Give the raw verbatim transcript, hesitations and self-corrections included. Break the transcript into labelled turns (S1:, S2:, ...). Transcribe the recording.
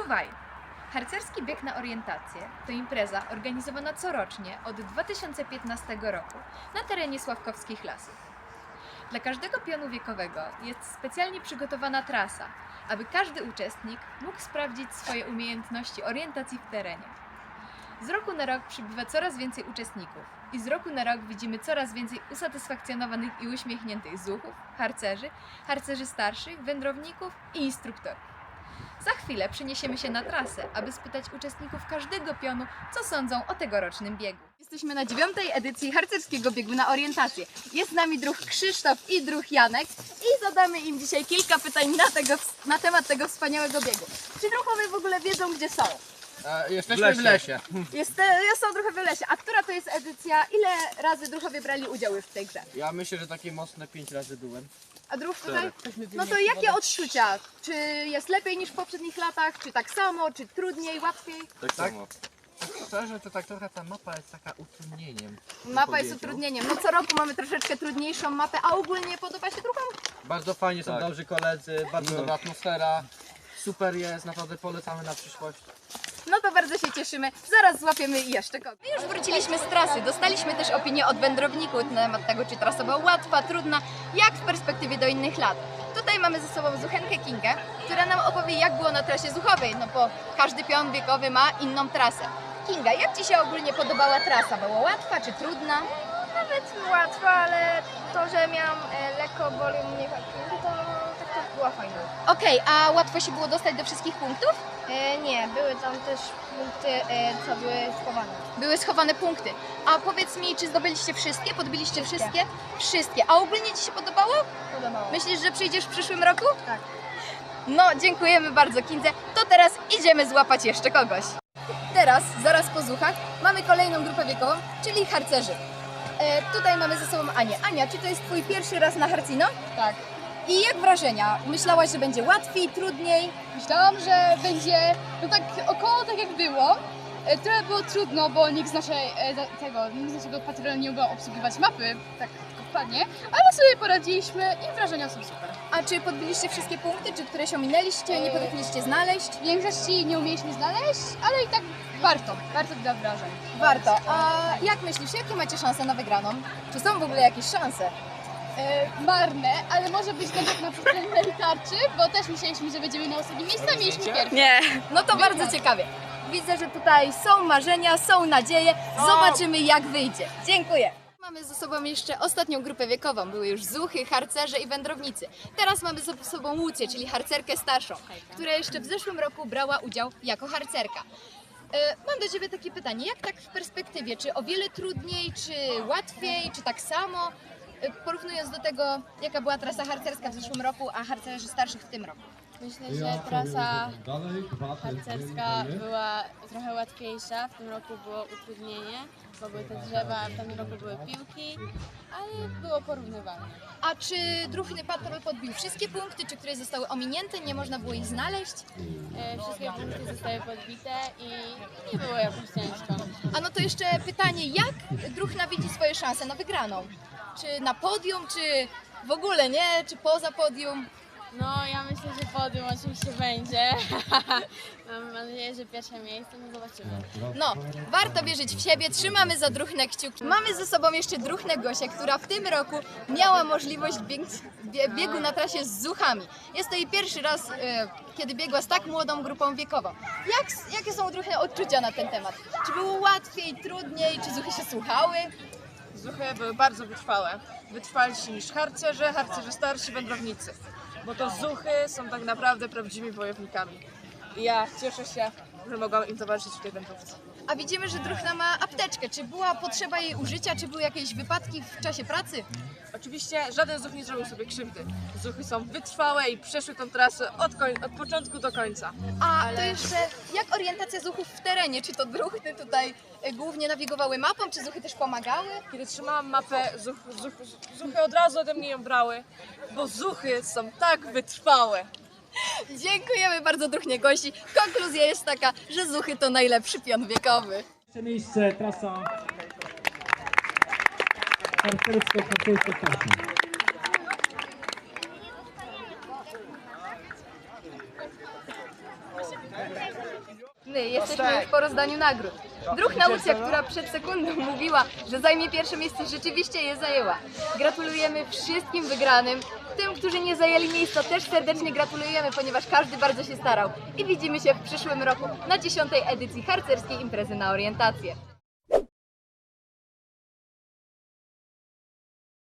S1: Czuwaj! Harcerski bieg na orientację to impreza organizowana corocznie od dwa tysiące piętnastego roku na terenie Sławkowskich Lasów. Dla każdego pionu wiekowego jest specjalnie przygotowana trasa, aby każdy uczestnik mógł sprawdzić swoje umiejętności orientacji w terenie. Z roku na rok przybywa coraz więcej uczestników i z roku na rok widzimy coraz więcej usatysfakcjonowanych i uśmiechniętych zuchów, harcerzy, harcerzy starszych, wędrowników i instruktorów. Za chwilę przeniesiemy się na trasę, aby spytać uczestników każdego pionu, co sądzą o tegorocznym biegu. Jesteśmy na dziewiątej edycji harcerskiego biegu na orientację. Jest z nami druh Krzysztof i druh Janek i zadamy im dzisiaj kilka pytań na, tego, na temat tego wspaniałego biegu. Czy druhowie w ogóle wiedzą, gdzie są?
S2: E, jesteśmy w lesie.
S1: Jest, są druhy w lesie. A która to jest edycja? Ile razy druhowie brali udział już w tej grze?
S2: Ja myślę, że takie mocne pięć razy byłem.
S1: A druh tutaj? No to jakie odczucia? Czy jest lepiej niż w poprzednich latach? Czy tak samo? Czy trudniej, łatwiej?
S2: Tak samo. Szczerze, to tak trochę ta mapa jest taka utrudnieniem.
S1: Mapa jest utrudnieniem. No co roku mamy troszeczkę trudniejszą mapę, a ogólnie podoba się druhom?
S2: Bardzo fajnie, są
S3: Tak.
S2: dobrzy koledzy, bardzo
S3: No.
S2: dobra atmosfera. Super jest, naprawdę polecamy na przyszłość.
S1: No to bardzo się cieszymy. Zaraz złapiemy jeszcze kogoś. My już wróciliśmy z trasy. Dostaliśmy też opinię od wędrowników na temat tego, czy trasa była łatwa, trudna, jak w perspektywie do innych lat. Tutaj mamy ze sobą Zuchenkę Kingę, która nam opowie, jak było na trasie zuchowej, no bo każdy pion wiekowy ma inną trasę. Kinga, jak Ci się ogólnie podobała trasa? Była łatwa czy trudna?
S4: Nawet łatwo, ale to, że miałam e, lekko boli mnie walki, to tak to była fajna.
S1: Okej, a łatwo się było dostać do wszystkich punktów?
S4: E, nie, były tam też punkty, e, co były schowane.
S1: Były schowane punkty. A powiedz mi, czy zdobyliście wszystkie? Podbiliście wszystkie? Wszystkie. A ogólnie Ci się podobało?
S4: Podobało.
S1: Myślisz, że przyjdziesz w przyszłym roku?
S4: Tak.
S1: No, dziękujemy bardzo Kindze. To teraz idziemy złapać jeszcze kogoś. Teraz, zaraz po zuchach, mamy kolejną grupę wiekową, czyli harcerzy. E, tutaj mamy ze sobą Anię. Ania, czy to jest Twój pierwszy raz na Harcino?
S5: Tak.
S1: I jak wrażenia? Myślałaś, że będzie łatwiej, trudniej?
S5: Myślałam, że będzie no tak około tak jak było. E, Trochę było trudno, bo nikt z naszej, e, za- tego, nikt z naszego patrolu nie umiał obsługiwać mapy, tak tylko wpadnie, ale sobie poradziliśmy i wrażenia są super.
S1: A czy podbiliście wszystkie punkty, czy któreś ominęliście, nie potrafiliście znaleźć?
S5: W większości nie umieliśmy znaleźć, ale i tak warto, warto dla wrażeń.
S1: Warto. A jak myślisz, jakie macie szanse na wygraną? Czy są w ogóle jakieś szanse?
S5: E, marne, ale może być nawet na przykład tarczy, bo też myśleliśmy, że będziemy na ostatnim miejscu, a mieliśmy pierwszy.
S1: Nie. No to bardzo ciekawie. Widzę, że tutaj są marzenia, są nadzieje. Zobaczymy, jak wyjdzie. Dziękuję. Mamy ze sobą jeszcze ostatnią grupę wiekową. Były już zuchy, harcerze i wędrownicy. Teraz mamy ze sobą Łucję, czyli harcerkę starszą, która jeszcze w zeszłym roku brała udział jako harcerka. E, Mam do Ciebie takie pytanie, jak tak w perspektywie, czy o wiele trudniej, czy łatwiej, czy tak samo, e, porównując do tego, jaka była trasa harcerska w zeszłym roku, a harcerzy starszych w tym roku?
S6: Myślę, że trasa harcerska była trochę łatwiejsza. W tym roku było utrudnienie, bo były te drzewa, w tym roku były piłki, ale było porównywalne.
S1: A czy druhny patrol podbił wszystkie punkty, czy które zostały ominięte, nie można było ich znaleźć?
S6: E, Wszystkie punkty zostały podbite i nie było jakoś ciężko.
S1: A no to jeszcze pytanie, jak druhna widzi swoje szanse na wygraną? Czy na podium, czy w ogóle nie, czy poza podium?
S6: No ja myślę, że podium oczywiście będzie. Mam nadzieję, że pierwsze miejsce, no zobaczymy.
S1: No, warto wierzyć w siebie, trzymamy za druhnę kciuki. Mamy ze sobą jeszcze druhnę Gosię, która w tym roku miała możliwość bieg bie biegu na trasie z zuchami. Jest to jej pierwszy raz, e, kiedy biegła z tak młodą grupą wiekową. Jak, jakie są druhne odczucia na ten temat? Czy było łatwiej, trudniej, czy zuchy się słuchały?
S7: Zuchy były bardzo wytrwałe. Wytrwalsi niż harcerze, harcerze starsi, wędrownicy. Bo to zuchy są tak naprawdę prawdziwymi wojownikami. I ja cieszę się, że mogłam im towarzyszyć w tej wędrówce.
S1: A widzimy, że druhna ma apteczkę. Czy była potrzeba jej użycia, czy były jakieś wypadki w czasie pracy?
S7: Oczywiście żaden zuch nie zrobił sobie krzywdy. Zuchy są wytrwałe i przeszły tą trasę od, koń- od początku do końca.
S1: A to jeszcze jak orientacja zuchów w terenie? Czy to druhny tutaj e, głównie nawigowały mapą, czy zuchy też pomagały?
S7: Kiedy trzymałam mapę, zuch, zuch, zuchy od razu ode mnie ją brały, bo zuchy są tak wytrwałe.
S1: Dziękujemy bardzo druhnie Gosi. Konkluzja jest taka, że zuchy to najlepszy pion wiekowy.
S8: Pierwsze miejsce, trasa harcersko-harcersko-starszą.
S1: My jesteśmy już po rozdaniu nagród. Druh Naucja, która przed sekundą mówiła, że zajmie pierwsze miejsce, rzeczywiście je zajęła. Gratulujemy wszystkim wygranym. Tym, którzy nie zajęli miejsca, też serdecznie gratulujemy, ponieważ każdy bardzo się starał. I widzimy się w przyszłym roku na dziesiątej edycji harcerskiej imprezy na orientację.